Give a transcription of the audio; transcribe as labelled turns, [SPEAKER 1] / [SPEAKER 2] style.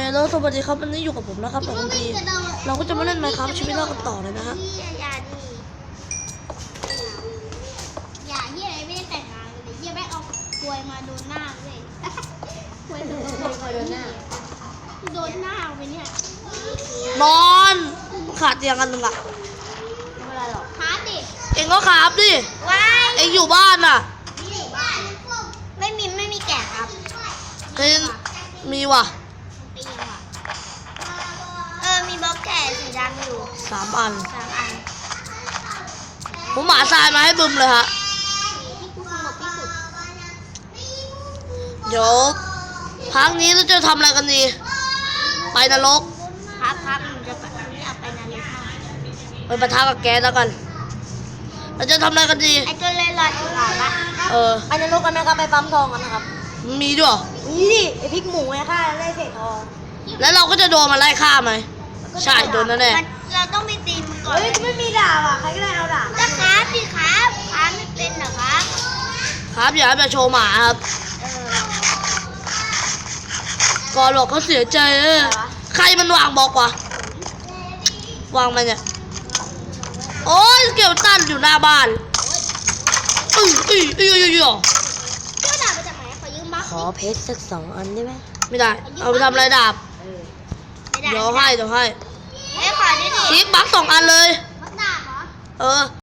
[SPEAKER 1] แล้วสวัสดีครับวันนี้อยู่กับผมนะครับกับคุณพีเราก็จะมาเล่นไมค์ครับชีวิตรอดกันต่อเลยนะฮะ
[SPEAKER 2] อย่าเฮียไม่ได้แต่งงานเลยเฮียแม่เอาควยมาโดนหน้าเลยควยโดนหน้าไปเนี่ย
[SPEAKER 1] นอนขาดเตียงกันหนึ่งอะ
[SPEAKER 2] ไม่เป็นไรหรอกขาดิ
[SPEAKER 1] เองก็ขาบดิเองอยู่บ้านน่ะ
[SPEAKER 2] ไม่มีแกะครับ
[SPEAKER 1] เองมีว่ะ
[SPEAKER 2] มีบล็อกแกะสีดำอยู่
[SPEAKER 1] 3 อัน
[SPEAKER 2] 3 อัน
[SPEAKER 1] ผมหมาทรายมาให้บึมเลยฮะ
[SPEAKER 2] ที่กูสงบที่สุด
[SPEAKER 1] เดี๋ยวพักนี้เราจะทำอะไรกันดีไปนรก
[SPEAKER 2] ครับหนูจะไปเอาไปนรก
[SPEAKER 1] ไปปะทะกับแก๊สแล้วกันเราจะทำอะไรกันดี
[SPEAKER 2] ไอ้ตัวเล่นลอยขาวปะ
[SPEAKER 1] ไปนรกกันไหมครับไปปั๊มทองกันนะครับมีด้วย
[SPEAKER 2] นี่ดิไอพริกหมูไงค่ะไล่เศษทอง
[SPEAKER 1] แล้วเราก็จะโดนมาไล่ฆ่าไหมใช่โดนแน่
[SPEAKER 2] เราต้องไปตีมันก่อนไม่มีดาบอ่ะใครก็ได้เอาดาบจะครับสิครับไม่เป็นเหรอครับ
[SPEAKER 1] ครับอย่าไปโชว์หมาครับก่อนหรอกเขาเสียใจใครมันวางบอกวะวางมันเนี่ยโอ้ยเกลตันอยู่หน้าบ้าน
[SPEAKER 2] เจ้าดาบมาจากไหนขอยืมบัค
[SPEAKER 1] ขอเพชรสัก2 อันได้ไหมไม่ได้เอาไปทำอะไรดาบเดี๋ยวให้
[SPEAKER 2] ไม่ขอได้ดิ
[SPEAKER 1] คลิกบัค2 อันเลย
[SPEAKER 2] บัคดาบเหรอ